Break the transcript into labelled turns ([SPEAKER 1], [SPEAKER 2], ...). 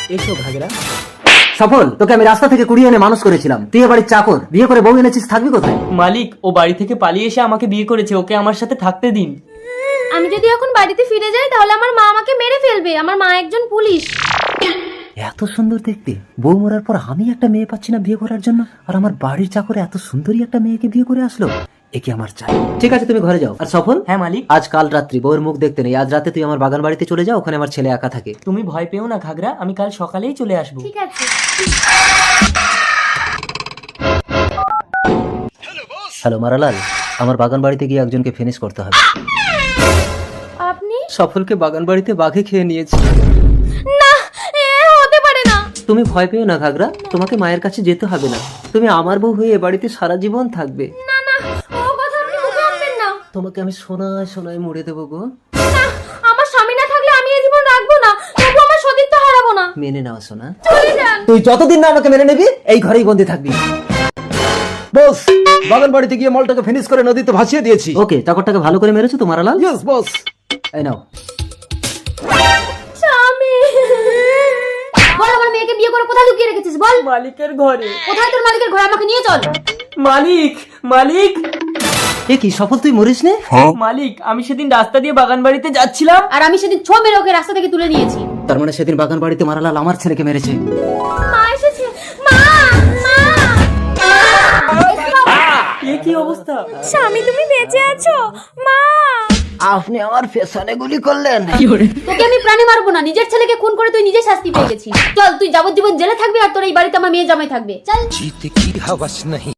[SPEAKER 1] এসো ঘাগরা।
[SPEAKER 2] সফল, তোকে আমি রাস্তা থেকে কুড়িয়ে এনে মানুষ করেছিলাম, তুই এ বাড়ির চাকর, বিয়ে করে বউ এনেছিস, থাকবি কোথায়?
[SPEAKER 1] মালিক, ও বাড়ি থেকে পালিয়ে এসে আমাকে বিয়ে করেছে, ওকে আমার সাথে থাকতে দিন।
[SPEAKER 3] আমি যদি এখন বাড়িতে ফিরে যাই তাহলে আমার মা আমাকে মেরে ফেলবে, আমার মা একজন পুলিশ।
[SPEAKER 2] এত সুন্দর দেখতে, বউ মরার পর আমি একটা মেয়ে পাচ্ছি না বিয়ে করার জন্য, আর আমার বাড়ির চাকরে এত সুন্দরী একটা মেয়েকে বিয়ে করে আসলো, একে আমার চাই। ঠিক আছে, তুমি ঘরে যাও। আর সফল,
[SPEAKER 1] হ্যাঁ মালিক।
[SPEAKER 2] আজ কাল রাত্রি বউয়ের মুখ দেখতে নেই, আজ রাতে তুই আমার বাগান বাড়িতে চলে যাও, ওখানে আমার ছেলে একা থাকে।
[SPEAKER 1] তুমি ভয় পেও না ঘাগরা, আমি কাল সকালেই চলে আসবো।
[SPEAKER 3] ঠিক আছে।
[SPEAKER 2] হ্যালো মারালাল, আমার বাগান বাড়িতে গিয়ে একজনকে ফিনিশ করতে হবে।
[SPEAKER 3] আপনি?
[SPEAKER 2] সফলকে বাগান বাড়িতে বাঘে খেয়ে নিয়েছে।
[SPEAKER 3] না, এ হতে পারে না।
[SPEAKER 2] তুমি ভয় পেও না ঘাগরা, তোমাকে মায়ের কাছে যেতে হবে না, তুমি আমার বউ হয়ে এ বাড়িতে সারা জীবন থাকবে।
[SPEAKER 3] না না, ও কথা আপনি মুখে আনবেন না।
[SPEAKER 2] তোমাকে আমি সোনায় সোনায় মুড়ে দেবো গো।
[SPEAKER 3] না, আমার স্বামী না থাকলে আমি এই জীবন রাখবো না, তবু আমার সতীত্ব হারাবো না।
[SPEAKER 2] মেনে নাও সোনা,
[SPEAKER 3] চলে যান।
[SPEAKER 2] তুই যতদিন না আমাকে মেনে নিবি এই ঘরেই বন্দি থাকবি।
[SPEAKER 4] বস, বাগান বাড়িতে গিয়ে মলটাকে ফিনিশ করে নদীতে ভাসিয়ে দিয়েছি।
[SPEAKER 2] ওকে, চাকরটাকে ভালো করে মেরেছো তো মারালাল?
[SPEAKER 4] Yes boss.
[SPEAKER 2] এই নাও।
[SPEAKER 3] স্বামী, বল আমার মেয়েকে বিয়ে করে কোথায় লুকিয়ে রেখেছিস বল।
[SPEAKER 1] মালিকের ঘরে।
[SPEAKER 3] কোথায় তোর মালিকের ঘরে, আমাকে নিয়ে চল।
[SPEAKER 1] মালিক, মালিক,
[SPEAKER 2] এ কি সফল, তুই মরিস নে?
[SPEAKER 1] মালিক, আমি সেদিন রাস্তা দিয়ে বাগান বাড়িতে যাচ্ছিলাম।
[SPEAKER 3] আর আমি সেদিন ছো মেরে ওকে রাস্তা থেকে তুলে নিয়েছি।
[SPEAKER 2] তার মানে সেদিন বাগান বাড়িতে মারালাল আমার ছেলেকে মেরেছে।
[SPEAKER 3] মা এসেছে, মা, মা।
[SPEAKER 1] এ কি অবস্থা?
[SPEAKER 3] স্বামী, তুমি বেঁচে আছো? মা,
[SPEAKER 2] আপনি আমার পেছনে গুলি করলেন।
[SPEAKER 3] তোকে আমি প্রাণে মারবো না, নিজের ছেলেকে খুন করে তুই নিজে শাস্তি পেয়ে গেছিস। চল, তুই যাবজ্জীবন জেলে থাকবি আর তোর এই বাড়িতে আমার মেয়ে জামাই থাকবে। চল।
[SPEAKER 5] जीत की हवस नहीं।